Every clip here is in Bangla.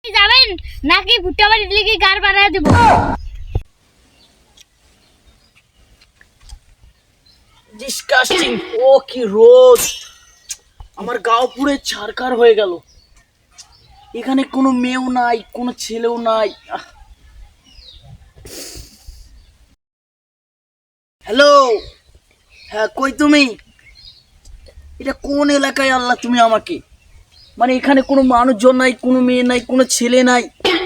যাবেন নাকি ভুট্টা বাড়ি লিখে গার বানায় দেব? ডিসকাস্টিং। ও কি রোদ, আমার গাও পুরো ছারখার হয়ে গেল। এখানে কোনো মেয়েও নাই, কোনো ছেলেও নাই। হ্যালো, হ্যাঁ কই তুমি? এটা কোন এলাকায় আল্লাহ তুমি আমাকে? মানে এখানে কোনো মানুষজন নাই, কোনো মেয়ে নাই, কোনো ছেলে নাই।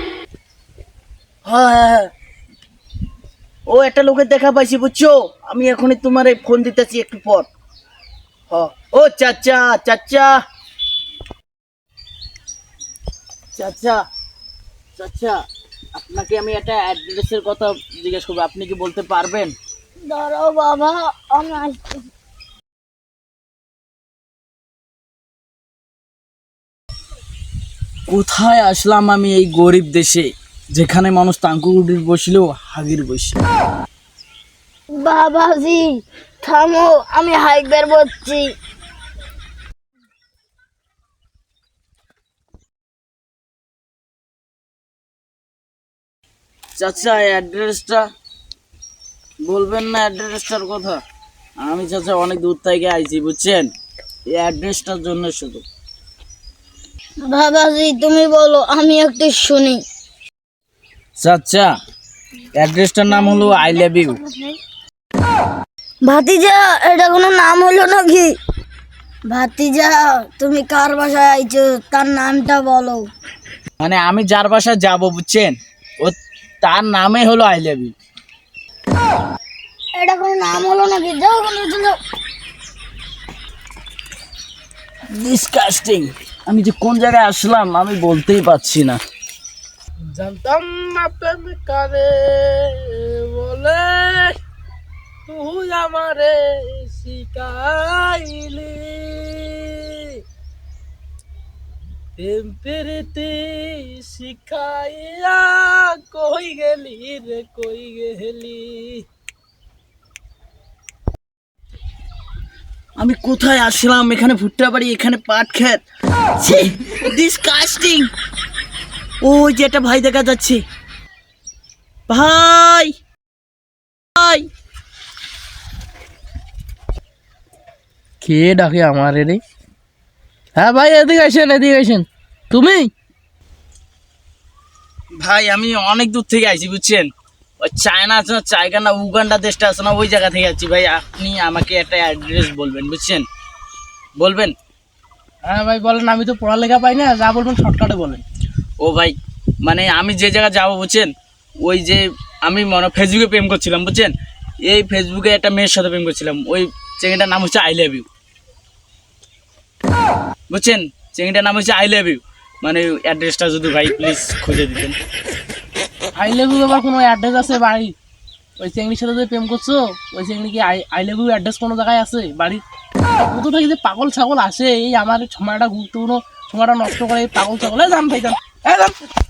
হ্যাঁ হ্যাঁ হ্যাঁ, ও একটা লোকের দেখা পাইছি বুঝছো। আমি এখনই তোমার ফোন দিতেছি একটু পর। হ্যাঁ, ও চাচা চাচা চাচা চাচা, আপনাকে আমি একটা অ্যাড্রেসের কথা জিজ্ঞেস করবো, আপনি কি বলতে পারবেন? দাঁড়াও বাবা, আমি আসছি। কোথায় আসলাম আমি এই গরিব দেশে, যেখানে মানুষ তাঙ্কুর বসলেও হাগির বসে। বাবাজি থামো, আমি হাইক বের করছি। চাচা অ্যাড্রেসটা বলবেন না? অ্যাড্রেসটার কথা আমি চাচা অনেক দূর থেকে আইছি বুঝছেন, এই অ্যাড্রেসটার জন্য শুধু। বাবাজি তুমি বলো, আমি একটু শুনি। চাচা অ্যাড্রেসটার নাম হলো আই লাভ ইউ। ভাতিজা এটা কোনো নাম হলো নাকি? ভাতিজা তুমি কার বাসায় আইছো, তার নামটা বলো। মানে আমি যার বাসায় যাব বুঝছেন, ও তার নামে হলো আই লাভ ইউ। এটা কোনো নাম হলো নাকি? যাও যাও। ডিসকাস্টিং, আমি যে কোন জায়গায় আসলাম আমি বলতেই পারছি না। জানতাম না প্রেম কারে বলে, তুই আমারে শিখাইলি। প্রেম পেরেতে শিখাইয়া কই গেলি রে কই গেলি। আমি কোথায় আসলাম? এখানে ভুট্টা বাড়ি, এখানে পাট ক্ষেত। ডিসকাস্টিং। ওই যে একটা ভাই দেখা যাচ্ছে। ভাই ভাই, কে ডাকে আমার রে? হ্যাঁ ভাই, এদিকে আসেন এদিকে আসেন। তুমি? ভাই আমি অনেক দূর থেকে আইছি বুঝছেন, ওই চায়না আছে না, চায়না না উগান্ডা দেশটা আছে না, ওই জায়গা থেকে আছি ভাই। আপনি আমাকে একটা অ্যাড্রেস বলবেন বুঝছেন, বলবেন? হ্যাঁ ভাই বলেন, আমি তো পড়ালেখা পাই না, যা বলবেন শর্টকাটে বলেন। ও ভাই, মানে আমি যে জায়গায় যাবো বুঝছেন, ওই যে আমি মনে ফেসবুকে প্রেম করছিলাম বুঝছেন, এই ফেসবুকে একটা মেয়ের সাথে প্রেম করছিলাম, ওই চেঙ্গিটার নাম হচ্ছে আই লাভ ইউ বুঝছেন, চেঙ্গিটার নাম হচ্ছে আই লাভ ইউ। মানে অ্যাড্রেসটা যদি ভাই প্লিজ খুঁজে দিতেন। আই লাভ ইউ আবার কোনো অ্যাড্রেস আছে বাড়ি? ওই চেংড়ির সাথে যে প্রেম করছো, ওই চেংড়ি কি আই লাভ ইউ অ্যাড্রেস কোনো জায়গায় আছে বাড়ির? কোথা থেকে যে পাগল ছাগল আসে, এই আমার সময়টা গুরুত্বপূর্ণ সময়টা নষ্ট করে এই পাগল ছাগল। যান ভাই যান, যান।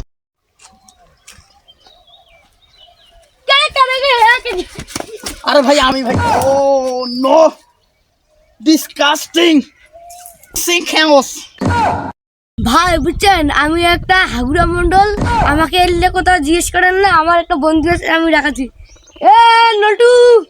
আরে ভাই আমি ভাই, ও নো, ডিসকাস্টিং সিনখাউস। ভাই বুঝছেন, আমি একটা হাগুড়া মন্ডল, আমাকে এলে কোথাও জিজ্ঞেস করেন না, আমার একটা বন্ধু আছে, আমি রাখাচ্ছি। এ নল্টু,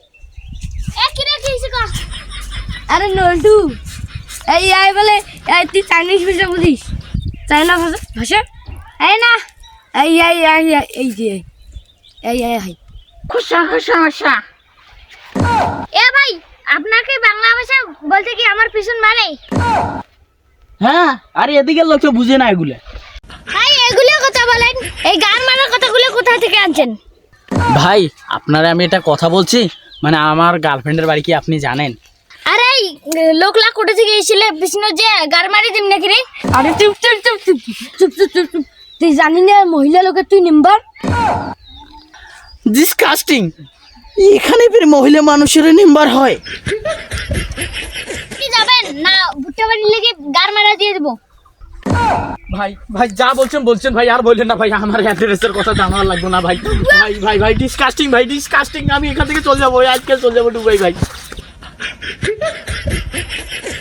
আরে নল্টু, এই আই বলে, এই তুই চাইনিজ ভাষা বুঝিস? চাইনা ভাষা ভাষা এই না, এই এই এই এই যে এই এই এই খুশা খুশা ভাষা। এ ভাই, আপনাকে বাংলা ভাষা বলতে কি আমার পিছন মানে? হ্যাঁ, আরে এদিকে লোক তো বুঝে না এগুলো। ভাই এগুলো কথা বলেন, এই গান মারার কথাগুলো কোথা থেকে আনছেন? ভাই আপনারা আমি এটা কথা বলছি, মানে আমার গার্লফ্রেন্ডের বাড়ি কি আপনি জানেন? আরে লোকলা কোথা থেকে এসেছিলে বিষ্ণু যে গার মারি দিম নাকি রে? আরে চুপ চুপ চুপ চুপ চুপ চুপ চুপ চুপ, তুই জানি না মহিলা লোকের তুই নাম্বার? ডিসকাস্টিং, এখানে ফির মহিলা মানুষের নাম্বার হয়? কি যাবেন না ভুট্টা বাড়ি লেগে গার মারা দিয়ে দেবো? ভাই ভাই যা বলছেন বলছেন ভাই, আর বললেন না ভাই, আমার অ্যাড্রেসের কথা জানার লাগবে না ভাই। ভাই ভাই ভাই ডিসকাস্টিং, ভাই ডিসকাস্টিং, আমি এখান থেকে চলে যাবো, আজকে চলে যাবো ডুবাই ভাই।